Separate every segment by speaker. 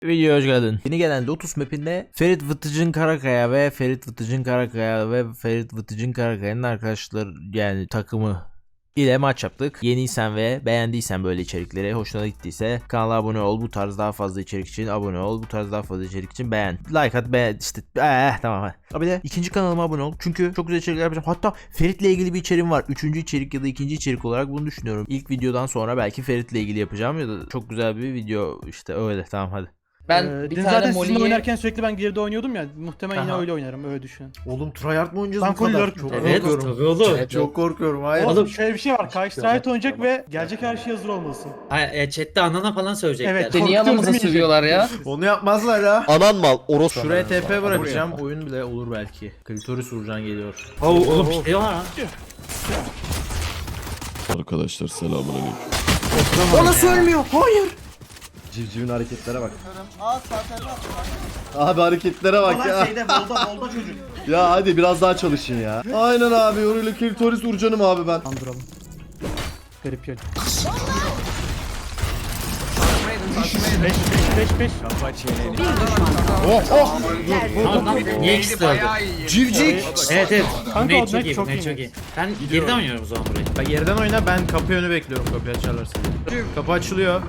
Speaker 1: Videoya hoş geldin. Yeni gelen Lotus mapinde Ferit Vıtıcın Karakaya ve Ferit Vıtıcın Karakaya'nın arkadaşlar yani takımı ile maç yaptık. Yeniysen ve beğendiysen böyle içerikleri, hoşuna gittiyse kanala abone ol. Bu tarz daha fazla içerik için abone ol. Bu tarz daha fazla içerik için beğen. Like at, beğen işte. Tamam hadi. Abi de ikinci kanalıma abone ol. Çünkü çok güzel içerikler yapacağım. Hatta Ferit'le ilgili bir içeriğim var. Üçüncü içerik ya da ikinci içerik olarak bunu düşünüyorum. İlk videodan sonra belki Ferit'le ilgili yapacağım ya da çok güzel bir video işte öyle. Tamam hadi.
Speaker 2: Ben bir
Speaker 3: Dün
Speaker 2: tane
Speaker 3: zaten sizinle
Speaker 2: Molly'yi...
Speaker 3: oynarken sürekli ben geride oynuyordum ya. Muhtemelen yine
Speaker 1: Aha.
Speaker 3: öyle oynarım, öyle düşünün.
Speaker 1: Oğlum tryhard mı oynayacağız
Speaker 3: Ben
Speaker 1: bu kadar?
Speaker 3: full lurk.
Speaker 1: Çok
Speaker 4: Evet
Speaker 1: korkuyorum.
Speaker 4: tabii oğlum.
Speaker 2: Evet,
Speaker 1: Çok korkuyorum. Hayır.
Speaker 3: Oğlum şöyle bir şey var. Karşı Riot oynayacak ve gelecek her şeye hazır olmalısın.
Speaker 4: Chatte anana falan söyleyecekler.
Speaker 3: Evet.
Speaker 2: Beni yanımıza sövüyorlar ya.
Speaker 1: Onu yapmazlar ha.
Speaker 5: Anan mal orospu.
Speaker 1: Şuraya TP bırakacağım. Oyun bile olur belki. Klitoris Urcan geliyor.
Speaker 4: Oğlum bir şey var ha.
Speaker 5: Arkadaşlar selamünaleyküm.
Speaker 1: O nasıl ölmüyor? Hayır.
Speaker 5: Civcivin hareketlere bak. Abi hareketlere bak ya.
Speaker 3: Bolda çocuk.
Speaker 5: Ya hadi biraz daha çalışın ya. Aynen abi öyle klitoris urcanım abi ben.
Speaker 3: Andıralım. Garip yol. 5.
Speaker 4: Tamam niye ikisi de öldü?
Speaker 1: Civcik.
Speaker 4: Evet.
Speaker 3: Kanka
Speaker 4: Bunlar
Speaker 3: o
Speaker 4: çok
Speaker 3: net
Speaker 4: iyi,
Speaker 3: çok
Speaker 4: bunlar
Speaker 3: iyi.
Speaker 4: çok iyi. Ben geriden oynuyorum o zaman burayı.
Speaker 1: Bak yerden oyna, ben kapı önü bekliyorum, kapıyı açarlarsa. Kapı açılıyor.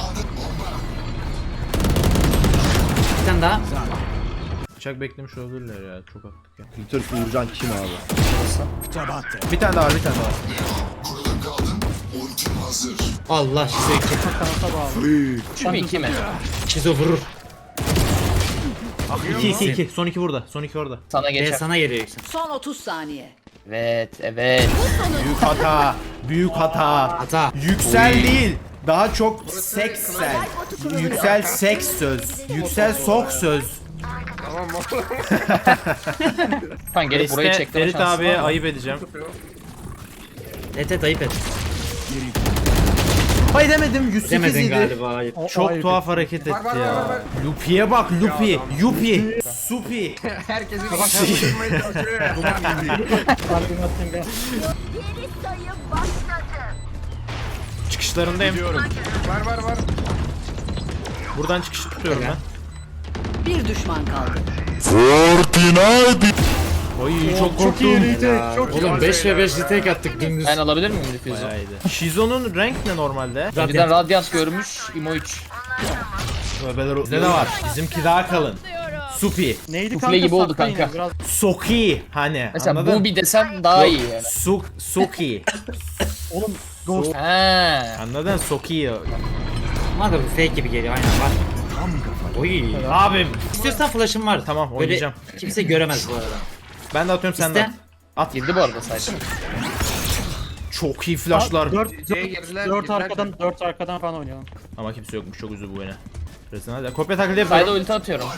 Speaker 4: Bir tane daha.
Speaker 1: Bıçak beklemiş olabilirler ya, çok attık ya.
Speaker 5: Klitoris urcan kim abi?
Speaker 1: Bir tane daha var, bir tane daha var.
Speaker 4: Allah şizo 2.
Speaker 3: Kanata bağlı.
Speaker 2: Şu mu iki mi?
Speaker 4: Şizo vurur.
Speaker 1: 2 son 2 burada, son 2 orada.
Speaker 2: Sana geçer.
Speaker 4: Sana geliyor yoksa.
Speaker 6: Son 30 saniye.
Speaker 2: Evet.
Speaker 1: Büyük hata, büyük hata.
Speaker 4: Hata.
Speaker 1: Yüksel değil, daha çok seksel. Yüksel seks söz. Yüksel sok söz.
Speaker 2: Kan gelip burayı
Speaker 1: Neyse,
Speaker 2: çektirme
Speaker 1: Ferit
Speaker 2: şansı
Speaker 1: abiye
Speaker 2: var mı?
Speaker 1: ayıp edeceğim.
Speaker 4: Evet ayıp et.
Speaker 1: Hayır demedim, 108
Speaker 4: Demedin
Speaker 1: idi.
Speaker 4: galiba ayıp.
Speaker 1: Çok
Speaker 3: Ayıp
Speaker 1: tuhaf hareket etti ya. Lupi'ye bak, Lupi, Yupi, Supi. Çıkışlarındayım. Var. Buradan çıkış tutuyorum ben.
Speaker 6: Bir düşman kaldı.
Speaker 1: Oy çok
Speaker 3: Çok iyi
Speaker 1: korktum.
Speaker 3: retake. Çok iyi.
Speaker 4: Oğlum 5 ve 5 retake attık dümdüz.
Speaker 2: Ben alabilir miyim difüzü?
Speaker 1: Bayağı iyiydi. Shizo'nun renk ne normalde?
Speaker 2: Önceden Radiant görmüş. Imo 3.
Speaker 1: Bizde de var. Bizimki daha kalın. Supi.
Speaker 3: Neydi
Speaker 2: Sufle
Speaker 3: kanka?
Speaker 2: gibi oldu
Speaker 3: Sakla yine,
Speaker 2: kanka.
Speaker 3: Biraz
Speaker 1: Soki hani.
Speaker 2: Mesela
Speaker 1: anladın?
Speaker 2: bu bir desem daha iyi yani.
Speaker 1: Soki.
Speaker 3: oğlum Ghost.
Speaker 2: He.
Speaker 1: Anladın? Soki.
Speaker 4: Bana da bu fake gibi geliyor aynen bak. Oy.
Speaker 1: Abim.
Speaker 4: İstiyorsan flash'ım var.
Speaker 1: Tamam,
Speaker 4: Böyle
Speaker 1: oynayacağım.
Speaker 4: kimse göremez bu arada.
Speaker 1: Ben de atıyorum, sen de
Speaker 4: İste.
Speaker 1: at.
Speaker 2: Girdi bu arada sadece.
Speaker 1: Çok iyi flashlar.
Speaker 3: 4 arkadan falan oynayalım.
Speaker 1: Ama kimse yokmuş, çok üzü bu oyuna. Hadi kopya taklidi
Speaker 2: Sayda
Speaker 1: yapıyorum.
Speaker 2: ulti atıyorum.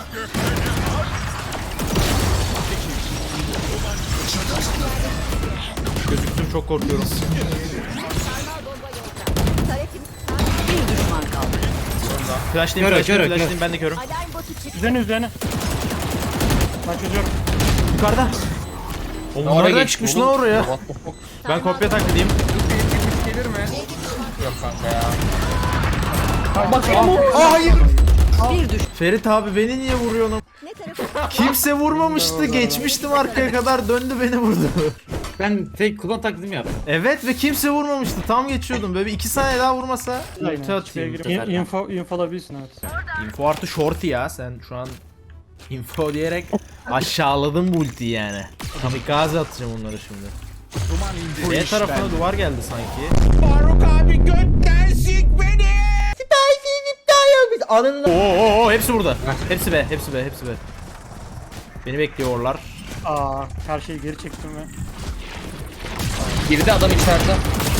Speaker 1: Gözüktüm, çok korkuyorum.
Speaker 6: Bir düşman kaldı.
Speaker 1: Flashlayayım,
Speaker 4: Kör.
Speaker 1: flashlayayım, ben de körüm.
Speaker 3: Üzerine. Ben çözüyorum.
Speaker 1: Yukarıda. Oğlum
Speaker 2: Oraya
Speaker 1: nereden
Speaker 2: geçti
Speaker 1: çıkmış
Speaker 2: oğlum.
Speaker 1: lan oraya?
Speaker 2: What the fuck?
Speaker 1: Ben kopya taklidiyim.
Speaker 2: Yok kanka ya.
Speaker 6: Bir düş.
Speaker 1: Ferit abi beni niye vuruyorsun? Kimse vurmamıştı, geçmiştim arkaya kadar, döndü beni vurdu.
Speaker 4: Ben fake kullan taklidimi yaptım.
Speaker 1: Evet ve kimse vurmamıştı, tam geçiyordum, böyle bir 2 saniye daha vurmasa ulti
Speaker 3: Aynen.
Speaker 1: atayım.
Speaker 3: Şeye girip info alabilirsin, evet.
Speaker 1: Info artı shorty ya, sen şu an info diyerek aşağıladın bu ultiyi yani. Kamikaze atacağım onları şimdi. B tarafına duvar geldi sanki. Oo, hepsi burada. Hepsi B. Beni bekliyorlar.
Speaker 3: Her şeyi geri çektim ve
Speaker 2: Girdi adam içeride.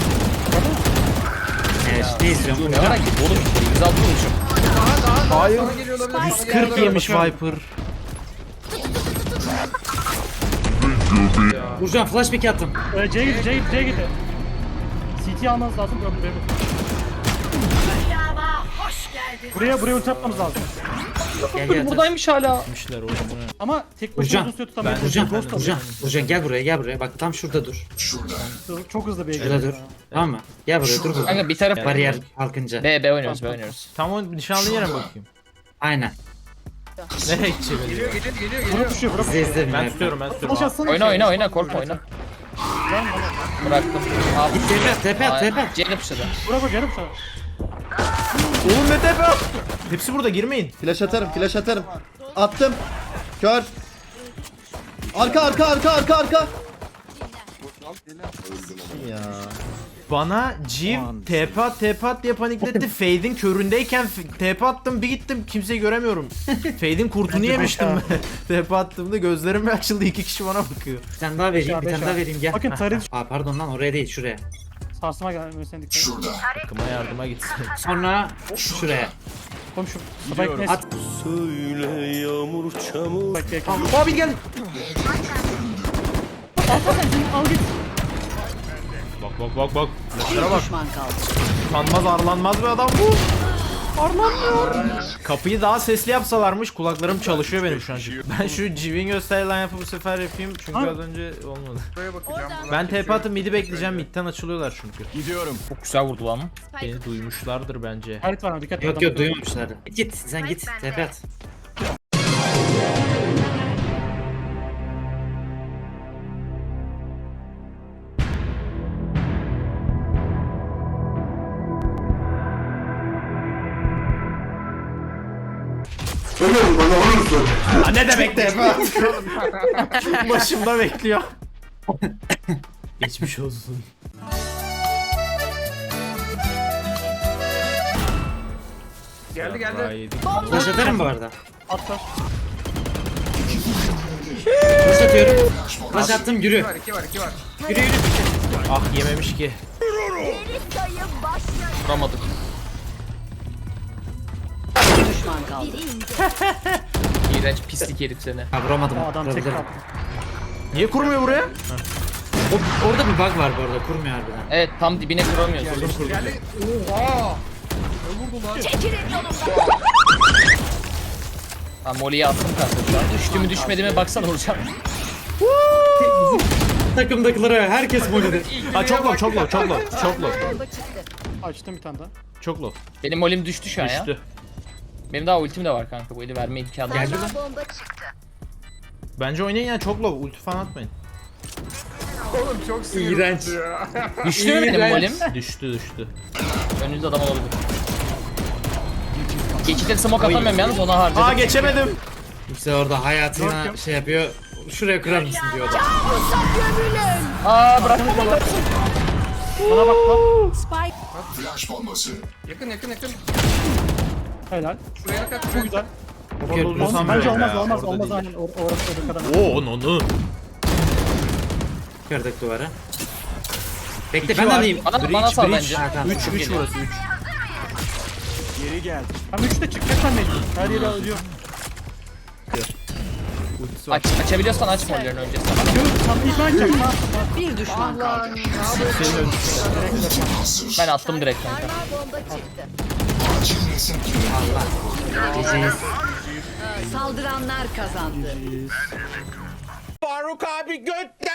Speaker 4: Ne izliyorum?
Speaker 2: Ne merak ettim oğlum işte. 106 vurmuşum.
Speaker 1: Hayır. 140 yemiş Viper.
Speaker 4: Burcan flashback attım.
Speaker 3: C'ye gitti. CT almanız lazım. Buraya ulti atmamız lazım.
Speaker 4: Gel.
Speaker 2: Buradaymış hala.
Speaker 1: Gitmişler oğlum bu ne?
Speaker 3: Ama tek başına
Speaker 4: Burcan,
Speaker 3: uzun süre tutamayız.
Speaker 4: Burcan gel buraya. Bak tam şurada dur.
Speaker 3: Çok hızlı bir
Speaker 4: Şurada dur. Tamam mı? Gel buraya dur burada.
Speaker 2: Kanka bir taraf
Speaker 4: Bariyer kalkınca.
Speaker 2: B oynuyoruz.
Speaker 1: Tam o nişanlı yere mi bakayım?
Speaker 4: Aynen.
Speaker 1: Nereye gidecek?
Speaker 3: Bura düşüyor bura.
Speaker 4: İzle izle.
Speaker 1: Ben tutuyorum ben tutuyorum.
Speaker 3: Flash atsana.
Speaker 2: Oyna korkma oyna. Bıraktım. Abi.
Speaker 4: Tepe at tepe at.
Speaker 2: C'ye pışladı.
Speaker 3: Bura koy canım sana.
Speaker 1: Oğlum ne tepe? Hepsi burada girmeyin.
Speaker 5: Flash atarım, flash atarım. Attım. Kör. Arka. Ya.
Speaker 1: Bana Civ TP at diye panikletti. Fade'in köründeyken TP attım bir gittim kimseyi göremiyorum. Fade'in kurtunu yemiştim. TP attığımda gözlerim bir açıldı 2 kişi bana bakıyor.
Speaker 4: Bir tane daha vereyim bir tane daha vereyim gel.
Speaker 3: Bakın tarih
Speaker 4: Aa pardon lan oraya değil şuraya.
Speaker 3: sarsıma gelmesine dikkat et.
Speaker 1: Takıma yardıma gitsin.
Speaker 4: Sonra şuraya.
Speaker 3: Oğlum şu spike neyse.
Speaker 4: At.
Speaker 3: Spike yakın.
Speaker 1: Abi gel.
Speaker 3: Al git.
Speaker 1: Bak.
Speaker 6: Bir düşman kaldı.
Speaker 1: Utanmaz arlanmaz bir adam bu. Arlanmıyor. Kapıyı daha sesli yapsalarmış kulaklarım çalışıyor benim şu an. Ben şu Civ'in gösterilen yapı bu sefer yapayım çünkü az önce olmadı. Ben TP atıp mid'i bekleyeceğim mid'den açılıyorlar çünkü.
Speaker 2: Çok güzel vurdu lan.
Speaker 1: Beni duymuşlardır bence.
Speaker 3: Harit var mı? Dikkat et.
Speaker 4: Yok
Speaker 3: adam.
Speaker 4: yok duymamışlar. Git sen git tepe at.
Speaker 1: Ne demek TP at? Başımda bekliyor. Geçmiş olsun. Geldi.
Speaker 4: Flash atarım bu arada.
Speaker 3: Atlar.
Speaker 4: Flash atıyorum. Flash attım yürü. Yürü.
Speaker 1: Ah yememiş ki.
Speaker 2: Vuramadık.
Speaker 6: Bir düşman kaldı.
Speaker 2: İğrenç pislik herif seni.
Speaker 4: Ha vuramadım.
Speaker 3: O adam tek
Speaker 4: Vurabilirim.
Speaker 3: kaldı.
Speaker 1: Niye kurmuyor buraya?
Speaker 4: Orada bir bug var bu arada kurmuyor harbiden.
Speaker 2: Evet tam dibine kuramıyoruz. Ben Molly'yi attım kanka şu an. Düştü mü düşmedi mi baksana vuracağım.
Speaker 4: Takımdakilara herkes molide.
Speaker 1: Ha çok low.
Speaker 3: Açtım bir tane daha.
Speaker 1: Çok low.
Speaker 2: Benim Molly'm düştü şu an ya.
Speaker 1: Düştü.
Speaker 2: Benim daha ultim de var kanka bu eli verme imkanı.
Speaker 4: Geldi lan.
Speaker 1: Bence oynayın ya çok low. Ulti falan atmayın.
Speaker 4: İğrenç.
Speaker 2: Düştü mü benim Molly'm?
Speaker 1: Düştü.
Speaker 2: Önünüzde adam olabilir. Geçitten smoke atamıyorum yalnız ona harcadım.
Speaker 1: Aa geçemedim.
Speaker 4: İşte orada hayatına şey yapıyor. Şuraya kurar mısın diyor adam.
Speaker 2: Aa bırak.
Speaker 3: Bana bak lan.
Speaker 6: Spike
Speaker 3: Helal. Bu güzel.
Speaker 1: Bozulsam
Speaker 3: Bence
Speaker 1: böyle
Speaker 3: olmaz
Speaker 1: ya,
Speaker 3: olmaz
Speaker 1: orada
Speaker 3: olmaz
Speaker 1: değil.
Speaker 3: aynen orası o kadar.
Speaker 1: Oo onu.
Speaker 4: Kırdık duvara. Bekle
Speaker 1: İki
Speaker 4: ben
Speaker 1: var.
Speaker 4: alayım.
Speaker 2: Bana sal
Speaker 1: Breach.
Speaker 2: bence.
Speaker 4: Ha, tamam.
Speaker 1: 3 burası 3.
Speaker 3: Tam 3'te çıkacak sen mecbur. Her yeri alıyor.
Speaker 1: Ultisi var.
Speaker 2: Açabiliyorsan aç Molly'lerini önce.
Speaker 3: Yok tam ilk ben açacağım.
Speaker 6: bir düşman kaldı.
Speaker 1: Senin ölçüsü.
Speaker 2: Ben attım direkt kanka.
Speaker 4: Geceyiz.
Speaker 6: Saldıranlar kazandı.